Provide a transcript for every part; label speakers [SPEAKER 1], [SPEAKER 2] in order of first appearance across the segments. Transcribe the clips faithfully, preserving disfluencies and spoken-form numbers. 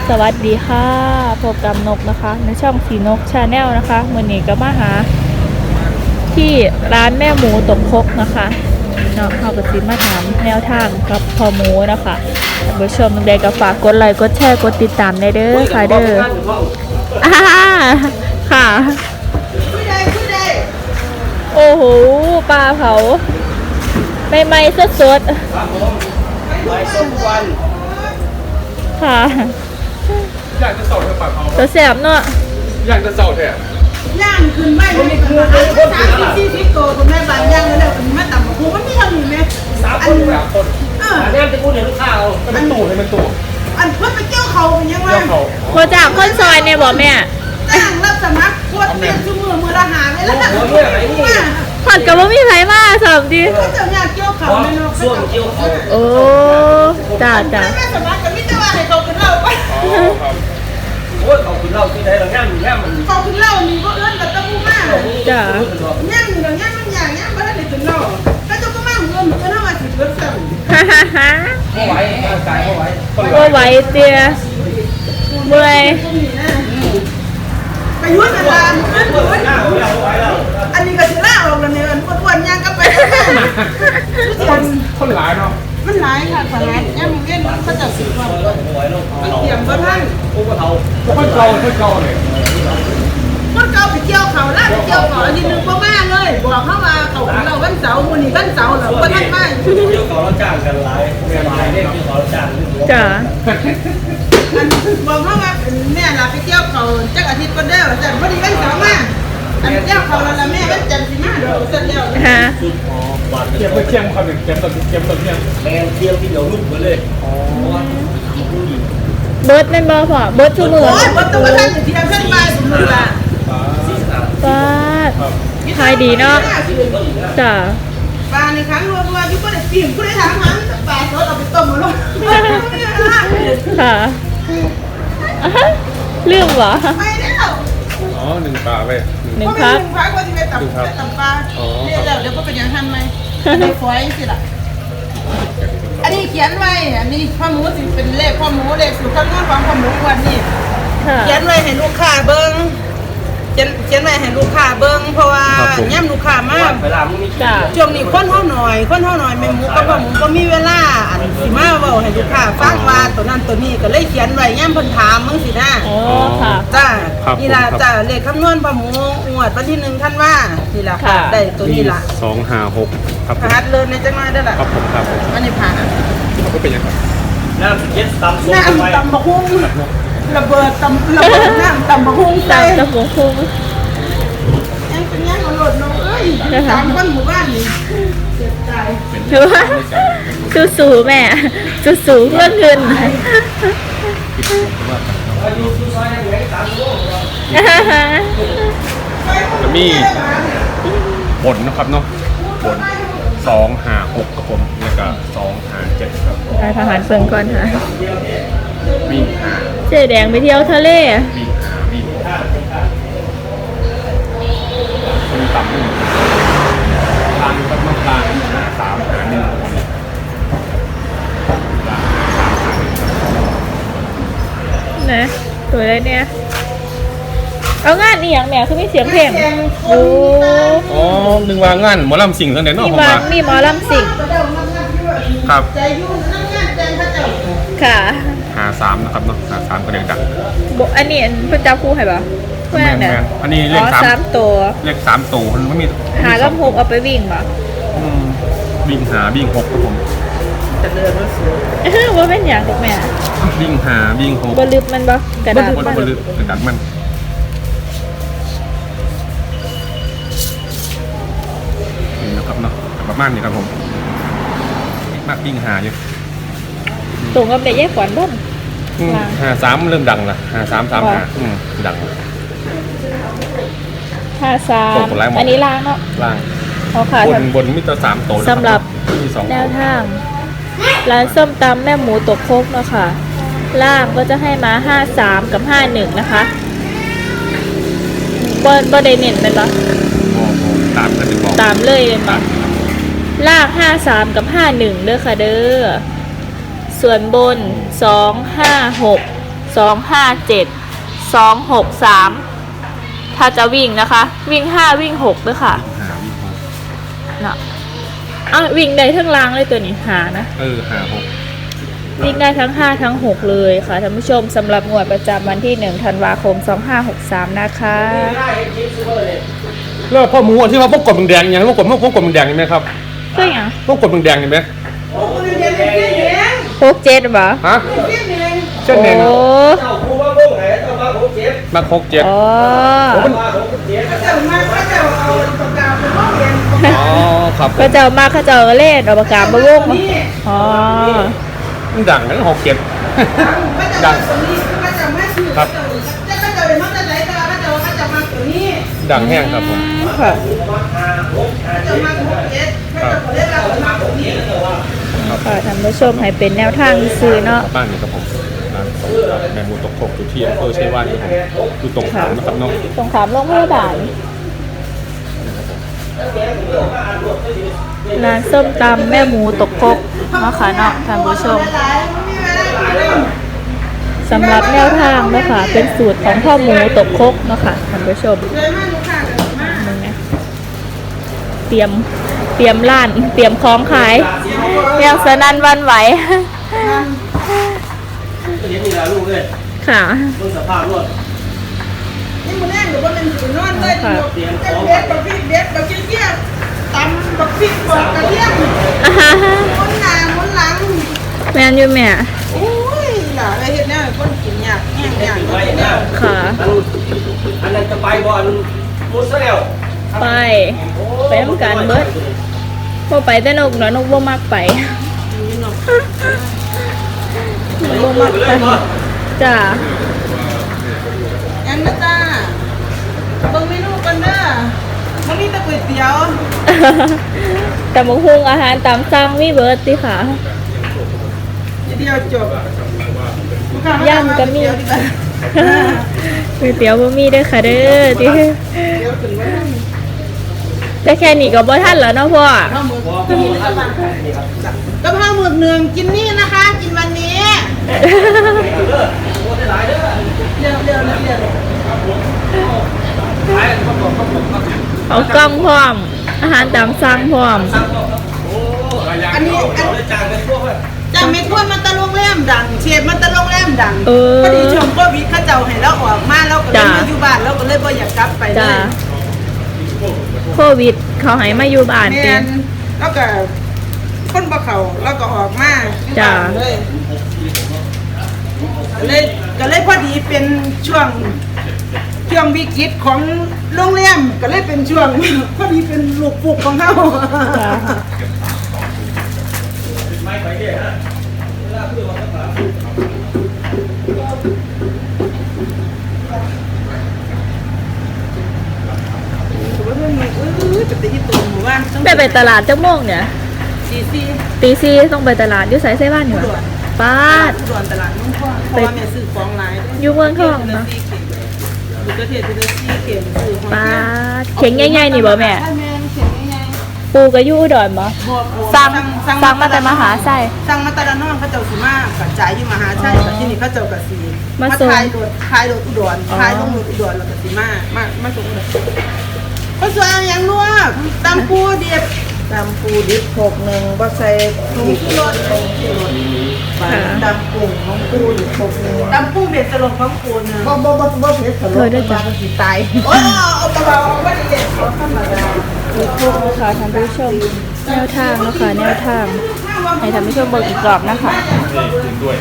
[SPEAKER 1] สวัสดีค่ะพบกับนกนะคะในช่องสีนกชาแนลนะคะมื่อนี้ก็มาหาที่ร้านแม่หมูตกครกนะคะเนาะเขาก็สิมาถามแนวทางกับพอหมูนะคะท่านผู้ชมใดก็ฝากกดไลค์กดแชร์กดติดตามได้เด้อค่ะเด้ออ่าค่ะโอ้โหปลาเผาไม่ไม่สดสดค่ะ
[SPEAKER 2] อยากจะเสาแถวปากเขา
[SPEAKER 1] ตัวแสบเนาะ
[SPEAKER 2] อยากจะเสาแถว
[SPEAKER 3] ย่างขึ้นไม่ไม่คือสามสิบสี่สิบตัวคุณแม่บางย่างแล้วคุณแม่ต่ำกว่าครูมันไม่ทำอยู่ไหม
[SPEAKER 2] สามคนสามคน
[SPEAKER 3] เออ
[SPEAKER 2] เนี่ยจะพูดในลูกค้าเอาเป็นตู่เป็นตู่
[SPEAKER 3] อันเพื่อไปเกี่ยวเขาเป็นยังไง
[SPEAKER 1] โคจากคนซอยเนี่ยบอกแม่
[SPEAKER 3] จ้างรับสมัครโคตรเปลี่ยนชั่วโมงมือละหาไปแล้ว
[SPEAKER 1] ผ่อนกับว่ามีใครมาสอบดี
[SPEAKER 3] เขาจะอยากเกี่ยวเขาไม่รู้
[SPEAKER 2] ช่วงเกี่ยวเขา
[SPEAKER 1] โอ้จ้าจ้า
[SPEAKER 3] แม่สมัครกับมิตรว่าให้เขาเป็นเล่าไป
[SPEAKER 2] โอ้ยเขาคือเล่าที่ไหนเราแง่แง่มัน
[SPEAKER 3] เขาเป็นเล่ามีก็เอื้อนกับตะปูมาก
[SPEAKER 1] จ้า
[SPEAKER 3] แง่มีเราแง่มันอย่างแง่ไม่ได้เป็นเล่าก็จะก็มากเอื้อนก็น่ามาสิบเปอร์เซ็นต์
[SPEAKER 1] ฮ่าฮ่าฮ่า
[SPEAKER 2] เขาไหวร่างกายเขาไหว
[SPEAKER 1] ก็ไหวเตี้ยเมื่อย
[SPEAKER 3] ไปยุ่งกันละอันนี้ก็จะล่าออกแล้วเนี่ยอ้วนๆย่างก็ไป
[SPEAKER 2] คนคนหลายเนาะ
[SPEAKER 3] มันหลายค่ะขนาดย่างมีเล่นเขาจะสิบวันมันเตรียมเบอร์ท่าน
[SPEAKER 2] คนเก่าคนเก่าคนเก่าเลย
[SPEAKER 3] คนเก่าไปเกี่ยวเขาล่าไปเกี่ยวเขาอันนี้นึงก็มาเลยบอกเขาว่าเขาเราวันเสาร์วันนี้วันเสาร์เหรอวันนั้นไม่
[SPEAKER 2] เกี่ยวเขาแล้วจ้างกันหลายหลายเนี่ยเกี่ยวเขาแล้วจ้าง
[SPEAKER 1] จ้า
[SPEAKER 3] อันบอกเขาว่าแม่เราไปเกี่ยวเขาจักอาทิตย์ก็ได้แต่พอดีวันเสาร์มาอันเกี่ยวเขาแล้วแม่วันจันทร์สิมาเดี๋ยวเสร็จแล้ว
[SPEAKER 1] ฮะ
[SPEAKER 2] เกี่ยวกับเชียงครับเกี่ยวกับเกี่ยวกับเชียงแมงเที่ยวที่เดี๋ยวลุกไปเลยอ๋อ
[SPEAKER 1] เบิร์ดเป็นบอพอเบิร์ดชั่วโมง
[SPEAKER 3] โอ้ยเบิร์ดตัวท่านเที่ยวขึ้นไปสมมติว่า
[SPEAKER 1] ป้าขายดีเนาะจ้า
[SPEAKER 3] ปลาในครั้งรัวๆที่ก็ได้ปีนก็ได้ทำมันปลาสดเอาไปต้มมาลง
[SPEAKER 1] ค่ะลืมวะ
[SPEAKER 3] ไม่แล้ว
[SPEAKER 2] อ๋อหนึ่งปลาไป
[SPEAKER 1] หนึ่งพัก
[SPEAKER 3] หนึ่งพักว่าที่ไปตับตับปลาเดี๋ยวเดี๋ยวก็เป็นอย่างทันไหมในฝอยสิล่ะอันนี้เขียนไว้อันนี้ข้อมูลสิเป็นเลขข้อมูลเลขสูตรคำนวณความข้อมูลวันนี้เขียนไว้ให้ลูกค้าเบิ้งเขียนเขียนไว้ให้ลูกค้าเบิ้งเพราะว่าย่ำลูกค้ามากช่วงนี้คนเท่าหน่อยคนเท่าหน่อยแม่หมูกับพ่อหมูก็มีเวลาอันสิมาเว้าให้ลูกค้าฟังว่าตัวนั้นตัวนี้ก็เลยเขียนไว้ย่ำเพิ่นถามมึงสินะ
[SPEAKER 1] โอ้ค่ะ
[SPEAKER 3] จ้านี่ล่ะจ้าเลขคำนวณพ่อหมูงวดวันที่หนึ่งท่านว่านี่ล่ะค่ะได้ตัวนี้ล่ะ
[SPEAKER 2] สองห้าหกครับ
[SPEAKER 3] ผ่านเลยในจังหวัดได้ล่ะ
[SPEAKER 2] ครับผมครับ
[SPEAKER 3] อันนี้ผ่าน
[SPEAKER 2] เขาก็เป็นยังไงน้ำเย็ดตำ
[SPEAKER 3] น้ำตำบะฮุ้งระเบิดตำระเบิดน้ำตำบะฮุ้งใส่
[SPEAKER 1] ตำบะฮุ้ง
[SPEAKER 3] ยังเป็นยังเอาหลดน้องเอ้ยสามคนหมู่บ้านนี่เสียใจ
[SPEAKER 1] หรือว่าสู้สู้แม่สู้สู้เพื่อเงิน
[SPEAKER 2] จะมีผลนะครับเนาะผลสองห้าหกกับผมแล้วก็สองห้าเจ็ดครับ
[SPEAKER 1] ไปทหารเฟิงก่อนค่ะ
[SPEAKER 2] วิ่งหา
[SPEAKER 1] เจ๊แดงไปเที่ยวทะเล
[SPEAKER 2] วิ่งหาวิ่งคนต่ำหนึ่งลางกับน้ำตาลสามหาหนึ่ง
[SPEAKER 1] นะตัวอะไรเนี่ยเอางานนี่อย่างแม่คือมีเสียงเพลงโอ้
[SPEAKER 2] อ๋อหนึ่งวางงานหมอลำสิ่งทั้งเด่นเนาะ
[SPEAKER 1] มีวางมีหมอลำสิ่ง
[SPEAKER 2] ครับ
[SPEAKER 1] ค่ะ
[SPEAKER 2] หาสามนะครับเนาะหาสามก็เรียงดัง
[SPEAKER 1] อันนี้พระเจ้าคู่ให้ปะ
[SPEAKER 2] แม่เนี่ยอันนี้เลขสาม
[SPEAKER 1] ตัว
[SPEAKER 2] เลขสามตัวมันไม่มี
[SPEAKER 1] หาลำหกเอาไปวิ่งปะ
[SPEAKER 2] วิ่งหาวิ่งหกครับผม
[SPEAKER 3] จะเดินรถสวย
[SPEAKER 1] ว่าเป็นอย่างถูกไหม
[SPEAKER 2] วิ่งหาวิ่งหก
[SPEAKER 1] บลึกมันปะกระดาษ
[SPEAKER 2] มันบลึกกระดาษมันนี่นะครับเนาะประมาณนี้ครับผมมากวิ่งหาอยู่
[SPEAKER 1] ตรงกับเด็กแยกขวัญบ้าง
[SPEAKER 2] หาสามเริ่มดังละหาสามสามหาดัง
[SPEAKER 1] ห้าสามอันนี้ล่างเนาะ
[SPEAKER 2] ล่าง
[SPEAKER 1] เขาขาย
[SPEAKER 2] บนบนมิตรสามโต
[SPEAKER 1] สำหรับแนวทางร้านส้มตำแม่หมูตกโคกเนาะค่ะล่างก็จะให้มาห้าสามกับห้าหนึ่งนะคะบนบนได้เน้นเป็นปะ
[SPEAKER 2] ตามกันบอก
[SPEAKER 1] ตามเลยเป็นปะล่างห้าสามกับห้าหนึ่งเด้อค่ะเด้อส่วนบนสองห้าหกสองห้าเจ็ดสองหกสามถ้าจะวิ่งนะคะ วิ่งห้าวิ่งหกด้วยค่ะ
[SPEAKER 2] หาวิ่งหก
[SPEAKER 1] เนาะอ่ะวิ่งได้ทั้งล่างเลยตัวนี้หานะ
[SPEAKER 2] เออหาหก
[SPEAKER 1] วิ่งได้ทั้งห้าทั้งหกเลยค่ะท่านผู้ชมสำหรับงวดประจำวันที่หนึ่งธันวาคมสองห้าหกสามนะคะ
[SPEAKER 2] แล้วพ่อหมูอันที่ว่าพวกกดแดงๆยังพวกกดพวกกดแดงๆเห็นไหมครับ
[SPEAKER 1] ก็อย่าง
[SPEAKER 2] พวกกดแดงๆเห็นไหม
[SPEAKER 3] โอ้คนเรียนเป็นเสี้ยนแหง
[SPEAKER 1] พวกเจ็ดเหรอ
[SPEAKER 2] ฮะ
[SPEAKER 3] เสี้ยนแหง
[SPEAKER 2] เช่นเอง
[SPEAKER 1] โอ้
[SPEAKER 4] เจ้าผู้ว่าพวกไหนเจ้ามาหกเจ็ด
[SPEAKER 2] มาหกเจ็ด
[SPEAKER 1] อ๋อ
[SPEAKER 4] มาหกเจ็ด
[SPEAKER 3] เขาจะมาเขาจะเอาปากกาไปมองเรียน
[SPEAKER 2] อ๋อครับ
[SPEAKER 1] เขาเจ้ามาเขาเจ้าเล่นเอาปากกาบะวงมาอ๋อ
[SPEAKER 2] มันดังนะหกเจ็ด
[SPEAKER 3] เขาจะมาตัวนี้เขาจะมาซื้อเขาจะเขาจะเลยมันจะไหนก็เขาจะเขาจะมาตัวนี้
[SPEAKER 2] ดังแห้งครับผม
[SPEAKER 1] ค่ะ
[SPEAKER 3] เขาจะมาหกเจ็ดเขาจะเรียกเรามาตัวนี้
[SPEAKER 1] ค่ะท่านผู้ชมให้เป็นแนวทางซื้อเนาะ
[SPEAKER 2] บ้านนี่ครับผมร้านแมงมุมตกครกอยู่ที่อำเภอชัยวานครับผมอยู่ตรงขามนะครับน้อง
[SPEAKER 1] สงขามโรงพยาบาลร้านส้มตำแม่หมูตกครกเนาะค่ะเนาะท่านผู้ชมสำหรับแนวทางเนาะค่ะเป็นสูตรของพ่อหมูตกครกเนาะค่ะท่านผู้ชม
[SPEAKER 3] เลยมาลูกค้าเลยมา
[SPEAKER 1] มึงนะเตรียมเตรียมร้านเตรียมของขายเรียงสนั่นหวันไหว
[SPEAKER 4] เห็นนี่ละลูกเลย
[SPEAKER 1] ค่ะ
[SPEAKER 4] ต้นสภาพรถ
[SPEAKER 3] นี่มันแน่หรือว่ามันถือนอนเลยเด็ดเด็ดบักพริกเด็ดบักเกี้ยตำบักพริกบักกระเทียม
[SPEAKER 1] อ่าฮะ
[SPEAKER 3] มุนหน้ามุนหลัง
[SPEAKER 1] แมนอยู่แม่
[SPEAKER 3] โอ้ยหล่ะไอ้เฮ็ดแนวคนกินยากแห้งยากเฮ็ดแนว
[SPEAKER 1] ค่ะ
[SPEAKER 4] อันอันนั้นจะไปบอลมุสแล้ว
[SPEAKER 1] ไปไปทำการเบิดพอไปแต่นกเนาะนกบ่มักไปนกบ่มักไปจ้า
[SPEAKER 3] อันนะจ้าเบิ่งเมนูกันเด้อมันมีแต่ก๋วยเตี๋ยว
[SPEAKER 1] แต่มะฮุงอาหารตามสั่งมีเบิดสิค่ะ
[SPEAKER 3] เดียวจบ
[SPEAKER 1] ย่ำก็มี ก๋วยเตี๋ยวบ่มีเด้อค่ะเด้อติแต่แค่นี้ก็บ่ทันแล้วเนาะพ่อ
[SPEAKER 3] ข้าวหมึกกินนี่ก็บ้านกะเพราหมึกหนึ่งกินนี่นะคะ กินวันนี้เร็วเร็วเร็วเร็ว
[SPEAKER 1] เอากล้องพร้อม อาหารตามสั่งพร้อม
[SPEAKER 3] อันนี้อัน
[SPEAKER 4] จางเป็นพวก
[SPEAKER 3] จากเม็ดพวดมันตะลงแรมดังเชฟมันตะลงแรมดัง
[SPEAKER 1] เออ
[SPEAKER 3] พอดีชมโควิดเขาเจ้าให้เราออกมาเราก็เลยมาอยู่บ้านเราก็เลยบ่อยากกลับไปเล
[SPEAKER 1] จ้าย โควิด เขาให้มาอยู่บ้าน
[SPEAKER 3] แม
[SPEAKER 1] เต็
[SPEAKER 3] นแล้วก็คนบ่เขาแล้วก็ออกมาอยู่บ้านเลยก็เลยก็เลยพอดีเป็นช่วงช่วงวิกฤตของโรงแรมก็เลยเป็นช่วง พอดีเป็นลูกปลุกของเขา
[SPEAKER 1] จ้า
[SPEAKER 4] ไม่ไปเนี่ยฮะเวลาคือวันสาม
[SPEAKER 3] ถือว่าเรื่องนี้เอ้ยจะไปที่ตัวหมู่บ้านต้อง
[SPEAKER 1] ไปไปตลาดจักโมงเนี่ย
[SPEAKER 3] ซีซี
[SPEAKER 1] ตีสี่ต้องไปตลาดอยู่ไสไสบ้านอยู่อะป้าด
[SPEAKER 3] ด่วนตลาดนุ่งพ่อเพราะว่าแม่ซื้อของหลาย
[SPEAKER 1] อยู่เมืองทองเนาะ
[SPEAKER 3] อยู่ประเทศที่ได้ซีเข็มซื้อของ
[SPEAKER 1] ป้าดเข็งใหญ่ๆนี่บ่แม่
[SPEAKER 3] ใช่แม่เข็มใหญ่
[SPEAKER 1] ปูก็อยู่อุดรบ่
[SPEAKER 3] ๆบวก
[SPEAKER 1] สั่งสั่งมาแต่มหาไส้
[SPEAKER 3] สั่งมาแต่ละน้องเขาเจ้าสิมากระจายอยู่มหาชัยแต่ที่นี่เขาเจ้ากะสี
[SPEAKER 1] มา
[SPEAKER 3] มา
[SPEAKER 1] ส่ง
[SPEAKER 3] ขายรถขายรถอุดร
[SPEAKER 1] อ๋อ
[SPEAKER 3] ขายลงรถอุดรแล้วก็สิมามามาส่งอุดรก็สวยเอาอย่างนัวตำปูดิบตำปูดิบหกหนึ่งบ่ใส่ผงชูรสผงชูรสตำปูของปูดิบหกหนึ่งตำปูเบ็ดสลงของปูนึงบ่บ่บ่บ่เผ็ดสลง
[SPEAKER 1] เคยด้วยจ้ะ
[SPEAKER 3] สิตายโอ้เอาเบาๆบ่ได้เด็ดเอาธรรมดา
[SPEAKER 1] ทุกคนนะคะท่านผู้ชมแนวทางนะคะแนวทาง ให้ท่านผู้ชมเบิกอีกรอบนะคะ
[SPEAKER 2] นี่กินด้วย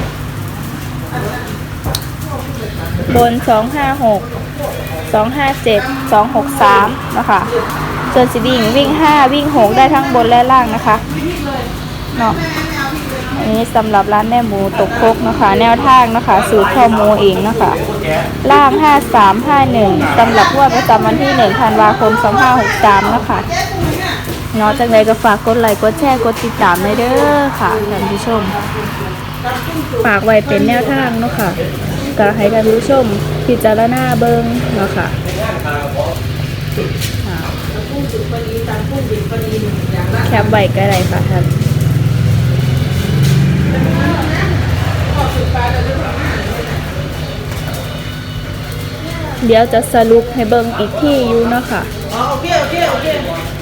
[SPEAKER 1] บนสองห้าหกสองห้าเจ็ดสองหกสามนะคะส่วนสีดิ่งวิ่งห้าวิ่งหกได้ทั้งบนและล่างนะคะเนาะอันนี้สำหรับร้านแม่หมูตกครกนะคะ แนวทางนะคะสูตรข้อหมูเองนะคะล่างห้าสามห้าหนึ่งสำหรับงวดประจำวันที่หนึ่งธันวาคมสองห้าหกสามนะคะเนาะจากใดก็ฝากกดไลค์กดแชร์กดติดตามเลยเด้อค่ะท่านผู้ชม ฝากไว้เป็นแนวทางเนาะค่ะก็ให้ท่านผู้ชมพิจารณาเบิ่งเนาะค่ะค่ะแคปไว้ก็ได้ค่ะท่านเดี๋ยวจะสรุปให้เบิ่งอีกที่อยู่เนาะค่ะ
[SPEAKER 3] อ๋อโอเคโอเคโอเค